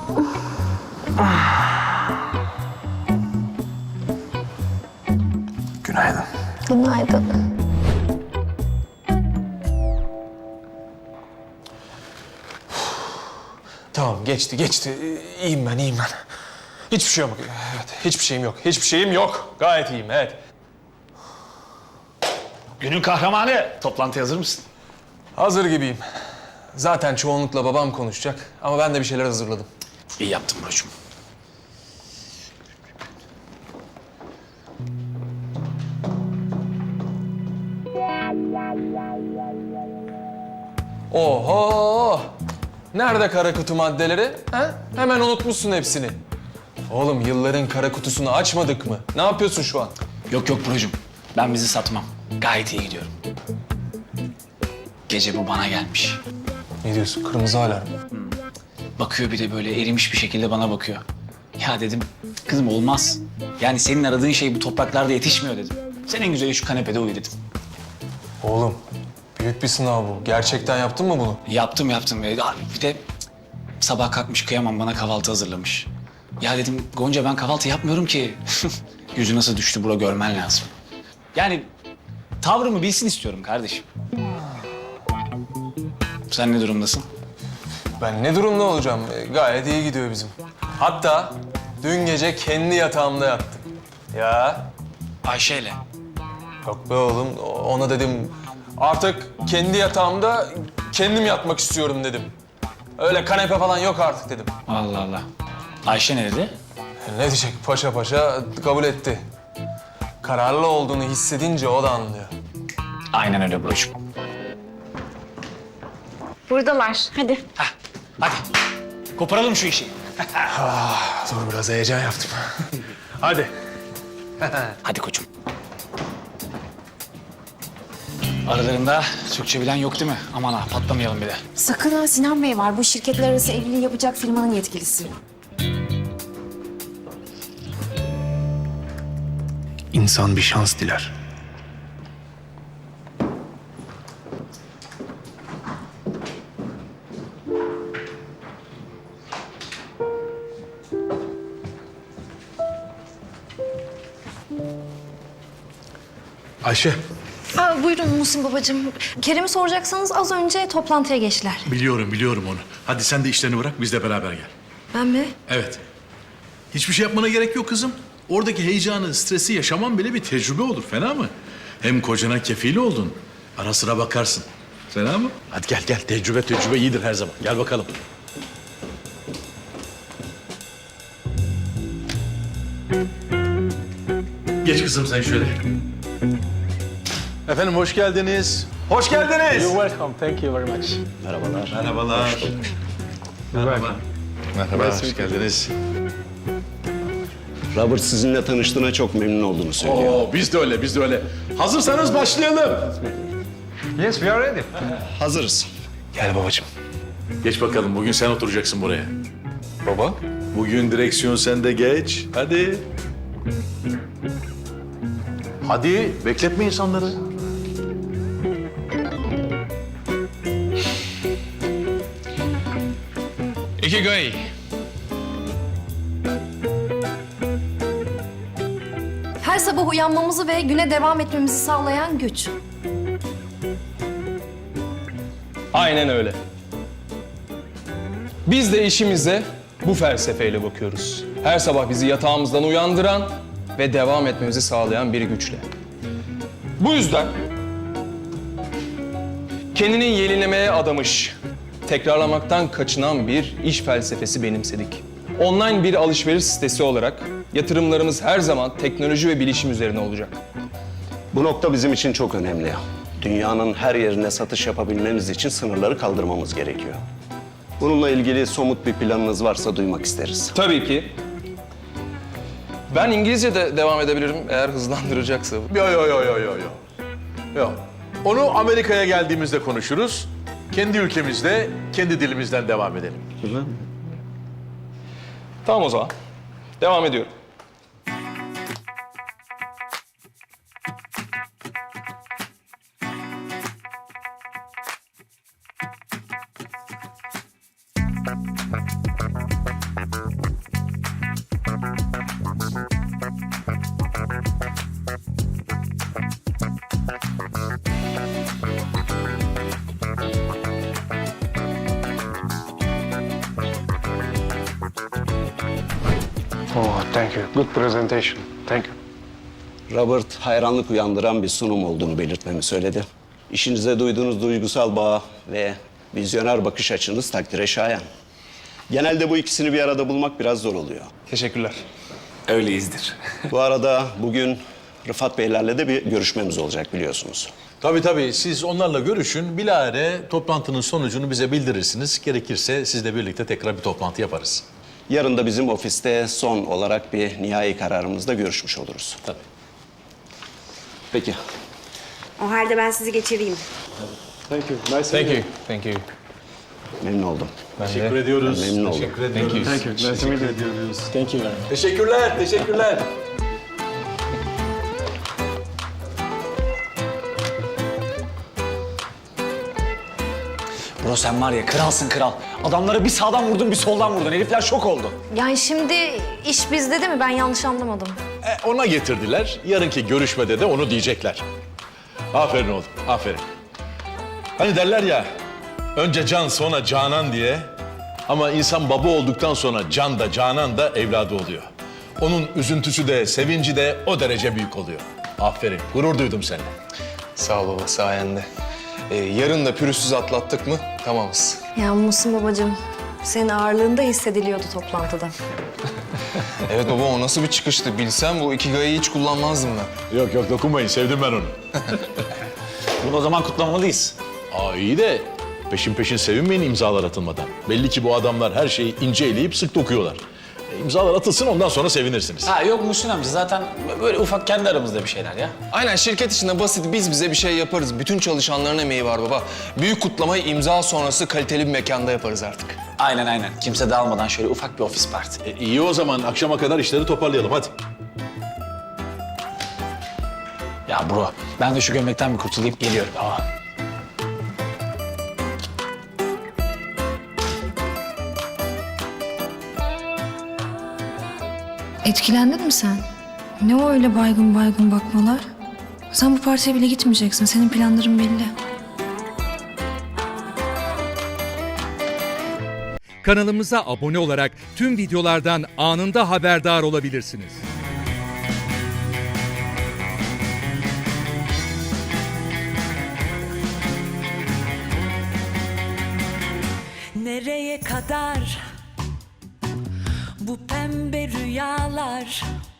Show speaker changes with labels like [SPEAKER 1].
[SPEAKER 1] Günaydın.
[SPEAKER 2] Günaydın.
[SPEAKER 1] Tamam geçti. İyiyim ben. Hiçbir şey yok. Evet, hiçbir şeyim yok. Gayet iyiyim, evet.
[SPEAKER 3] Günün kahramanı. Toplantıya hazır mısın?
[SPEAKER 1] Hazır gibiyim. Zaten çoğunlukla babam konuşacak ama ben de bir şeyler hazırladım.
[SPEAKER 3] İyi yaptın Buracığım.
[SPEAKER 1] Oho! Nerede kara kutu maddeleri? Ha? Hemen unutmuşsun hepsini. Oğlum yılların kara kutusunu açmadık mı? Ne yapıyorsun şu an?
[SPEAKER 3] Yok Buracığım. Ben bizi satmam. Gayet iyi gidiyorum. Gece bu bana gelmiş.
[SPEAKER 1] Ne diyorsun? Kırmızı alarm.
[SPEAKER 3] Bakıyor bir de böyle erimiş bir şekilde bana bakıyor. Ya dedim, kızım olmaz. Yani senin aradığın şey bu topraklarda yetişmiyor dedim. Sen en güzeli şu kanepede uyu dedim.
[SPEAKER 1] Oğlum büyük bir sınav bu. Gerçekten yaptın mı bunu?
[SPEAKER 3] Yaptım. Bir de sabah kalkmış kıyamam bana kahvaltı hazırlamış. Ya dedim Gonca ben kahvaltı yapmıyorum ki. Yüzü nasıl düştü bura görmen lazım. Yani tavrımı bilsin istiyorum kardeşim. Sen ne durumdasın?
[SPEAKER 1] Ben ne durumda olacağım? Gayet iyi gidiyor bizim. Hatta dün gece kendi yatağımda yattım. Ya
[SPEAKER 3] Ayşe'yle.
[SPEAKER 1] yok be oğlum. Ona dedim artık kendi yatağımda kendim yatmak istiyorum dedim. Öyle kanepe falan yok artık dedim.
[SPEAKER 3] Allah Allah. Ayşe ne dedi?
[SPEAKER 1] Ne diyecek paşa kabul etti. Kararlı olduğunu hissedince o da anlıyor.
[SPEAKER 3] Aynen öyle Buracığım.
[SPEAKER 2] Buradalar. Hadi.
[SPEAKER 3] Hadi koparalım şu işi.
[SPEAKER 1] Dur biraz heyecan yaptım. Hadi.
[SPEAKER 3] Hadi koçum. Aralarında Türkçe bilen yok değil mi? Aman ha patlamayalım bir de.
[SPEAKER 4] Sakın ha, Sinan Bey var. Bu şirketler arası evliliği yapacak firmanın yetkilisi.
[SPEAKER 5] İnsan bir şans diler. Ayşe,
[SPEAKER 2] Buyurun Muhsin babacığım. Kerem'i soracaksanız az önce toplantıya geçtiler.
[SPEAKER 6] Biliyorum onu. Hadi sen de işlerini bırak, biz de beraber gel.
[SPEAKER 2] Ben mi?
[SPEAKER 6] Evet. Hiçbir şey yapmana gerek yok kızım. Oradaki heyecanı, stresi yaşaman bile bir tecrübe olur. Fena mı? Hem kocana kefil oldun. Ara sıra bakarsın. Fena mı? Hadi gel. Tecrübe iyidir her zaman. Gel bakalım. Geç kızım sen şöyle. Efendim hoş geldiniz.
[SPEAKER 1] Hoş geldiniz.
[SPEAKER 5] welcome. Thank you very much.
[SPEAKER 6] Merhaba, hoş geldiniz.
[SPEAKER 7] Robert sizinle tanıştığına çok memnun olduğunu söylüyor.
[SPEAKER 6] Oo, biz de öyle. Hazırsanız başlayalım.
[SPEAKER 5] Yes, we are ready.
[SPEAKER 7] Hazırız.
[SPEAKER 1] Gel babacığım.
[SPEAKER 6] Geç bakalım, bugün sen oturacaksın buraya.
[SPEAKER 1] Baba.
[SPEAKER 6] Bugün direksiyon sende, geç. Hadi. Hadi, bekletme insanları.
[SPEAKER 1] Ikigai.
[SPEAKER 2] Her sabah uyanmamızı ve güne devam etmemizi sağlayan güç.
[SPEAKER 1] Aynen öyle. Biz de işimize bu felsefeyle bakıyoruz. Her sabah bizi yatağımızdan uyandıran ve devam etmemizi sağlayan bir güçle. Bu yüzden kendini yenilemeye adamış, tekrarlamaktan kaçınan bir iş felsefesi benimsedik. Online bir alışveriş sitesi olarak yatırımlarımız her zaman teknoloji ve bilişim üzerine olacak.
[SPEAKER 7] Bu nokta bizim için çok önemli. Dünyanın her yerine satış yapabilmemiz için sınırları kaldırmamız gerekiyor. Bununla ilgili somut bir planınız varsa duymak isteriz.
[SPEAKER 1] Tabii ki. Ben İngilizce de devam edebilirim eğer hızlandıracaksa.
[SPEAKER 6] Yok. Onu Amerika'ya geldiğimizde konuşuruz. Kendi ülkemizde, kendi dilimizden devam edelim.
[SPEAKER 1] Tamam o zaman. Devam ediyorum.
[SPEAKER 5] Thank you. Good presentation. Thank you.
[SPEAKER 7] Robert hayranlık uyandıran bir sunum olduğunu belirtmemi söyledi. İşinize duyduğunuz duygusal bağ ve vizyoner bakış açınız takdire şayan. Genelde bu ikisini bir arada bulmak biraz zor oluyor.
[SPEAKER 1] Teşekkürler.
[SPEAKER 3] Öyleyizdir.
[SPEAKER 7] Bu arada bugün Rıfat Beylerle de bir görüşmemiz olacak biliyorsunuz.
[SPEAKER 6] Tabii siz onlarla görüşün. Bilahare toplantının sonucunu bize bildirirsiniz. Gerekirse sizle birlikte tekrar bir toplantı yaparız.
[SPEAKER 7] Yarın da bizim ofiste son olarak bir nihai kararımızda görüşmüş oluruz.
[SPEAKER 6] Tabii.
[SPEAKER 7] Peki.
[SPEAKER 4] O halde ben sizi geçireyim.
[SPEAKER 1] Thank you.
[SPEAKER 7] Memnun oldum.
[SPEAKER 6] Teşekkür ediyoruz.
[SPEAKER 7] Memnun oldum.
[SPEAKER 6] Teşekkür ediyoruz.
[SPEAKER 1] Thank you.
[SPEAKER 6] Teşekkür ediyoruz.
[SPEAKER 1] Thank you very much.
[SPEAKER 6] Teşekkürler.
[SPEAKER 3] Bro sen var ya kralsın kral. Adamları bir sağdan vurdun bir soldan vurdun. Herifler şok oldu.
[SPEAKER 2] Yani şimdi iş bizde değil mi? Ben yanlış anlamadım.
[SPEAKER 6] Ona getirdiler. Yarınki görüşmede de onu diyecekler. Aferin oğlum, aferin. Hani derler ya, önce can sonra canan diye. Ama insan baba olduktan sonra can da canan da evladı oluyor. Onun üzüntüsü de sevinci de o derece büyük oluyor. Aferin, gurur duydum seninle.
[SPEAKER 1] Sağ ol baba, sayende. Yarın da pürüzsüz atlattık mı tamamız.
[SPEAKER 2] Ya Muhsin babacığım, senin ağırlığında hissediliyordu toplantıda.
[SPEAKER 1] Evet baba, o nasıl bir çıkıştı? Bilsem bu Ikigai'yi hiç kullanmazdım ben.
[SPEAKER 6] Yok dokunmayın, sevdim ben onu.
[SPEAKER 3] Bunu o zaman kutlamalıyız.
[SPEAKER 6] İyi de peşin sevinmeyin imzalar atılmadan. Belli ki bu adamlar her şeyi ince eleyip sık dokuyorlar. İmzalar atılsın ondan sonra sevinirsiniz.
[SPEAKER 3] Ha yok Muhsin amca zaten böyle ufak kendi aramızda bir şeyler ya.
[SPEAKER 1] Aynen, şirket içinde basit biz bize bir şey yaparız. Bütün çalışanların emeği var baba. Büyük kutlamayı imza sonrası kaliteli bir mekanda yaparız artık.
[SPEAKER 3] Aynen. Kimse dağılmadan şöyle ufak bir ofis parti.
[SPEAKER 6] İyi o zaman akşama kadar işleri toparlayalım hadi.
[SPEAKER 3] Ya bro ben de şu gömlekten bir kurtulayım geliyorum.
[SPEAKER 2] Etkilendin mi sen? Ne o öyle baygın baygın bakmalar? Sen bu partiye bile gitmeyeceksin. Senin planların belli.
[SPEAKER 8] Kanalımıza abone olarak tüm videolardan anında haberdar olabilirsiniz.
[SPEAKER 9] Nereye kadar bu pembe rüyalar?